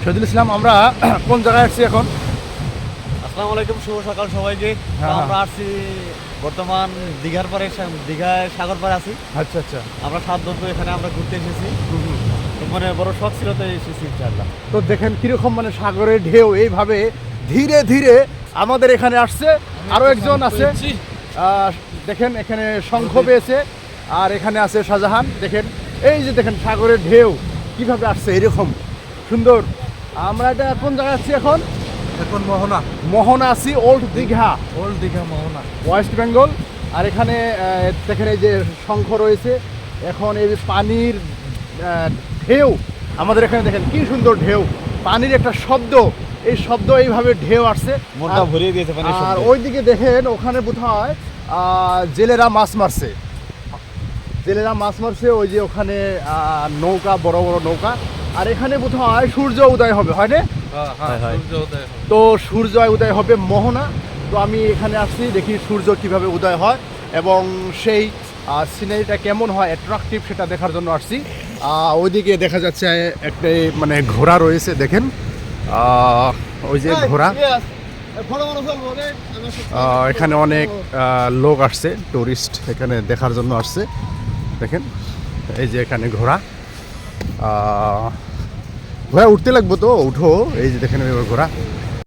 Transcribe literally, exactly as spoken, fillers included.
শহীদুল ইসলাম, আমরা কোন জায়গায় আসছি এখন? আসসালামু আলাইকুম, শুভ সকাল সবাইকে। হ্যাঁ, আমরা আসছি বর্তমান দীঘার পারে, দীঘায় সাগর পারে আছি। আচ্ছা আচ্ছা। আমরা সাত বন্ধু এখানে আমরা ঘুরতে এসেছি। তো মানে বড় শখ ছিল, তো এসেছি ইনশাআল্লাহ। তো দেখেন কিরকম মানে সাগরের ঢেউ এইভাবে ধীরে ধীরে আমাদের এখানে আসছে। আরো একজন আছে, আহ, দেখেন এখানে শঙ্খ পেয়েছে, আর এখানে আছে শাহজাহান। দেখেন এই যে দেখেন সাগরের ঢেউ কিভাবে আসছে এরকম সুন্দর। আমরা এটা কোন জায়গায় আছি এখন? এখন মোহনা, মোহনা আছি, ওল্ড দীঘা, ওল্ড দীঘা মোহনা। ওয়েস্ট বেঙ্গল। আর এখানে আহ, দেখেন এই যে শঙ্খ রয়েছে। এখন এই যে পানির আহ, ঢেউ আমাদের এখানে দেখেন কি সুন্দর ঢেউ, পানির একটা শব্দ, এই শব্দ এইভাবে ঢেউ আসছে, মনটা আর- ভরিয়ে দিয়েছে পানির আর শব্দে। ওইদিকে দেখেন ওখানে বোধহয় আহ, জেলেরা মাছ মারছে, জেলেরা মাছ মারছে ওই যে ওখানে আহ, নৌকা, বড় বড় নৌকা। আর এখানে বোধহয় সূর্য উদয় হবে, হয় না? হ্যাঁ হ্যাঁ, হয়, হয়। সূর্য উদয় হবে। তো সূর্য উদয় হবে মোহনা। তো আমি এখানে আসছি, দেখি সূর্য কিভাবে উদয় হয় এবং সেই সিনারিটা কেমন হয়, অ্যাট্রাকটিভ, সেটা দেখার জন্য আসছি। আহ, ওইদিকে দেখা যাচ্ছে একটা মানে ঘোড়া রয়েছে, দেখেন আহ, ওই যে ঘোড়া। আহ, এখানে অনেক আহ, লোক আসছে, টুরিস্ট এখানে দেখার জন্য আসছে। দেখেন এই যে এখানে ঘোড়া, আহ, ঘোড়া উঠতে লাগবো, তো উঠো। এই যে দেখেন এবার ঘোড়া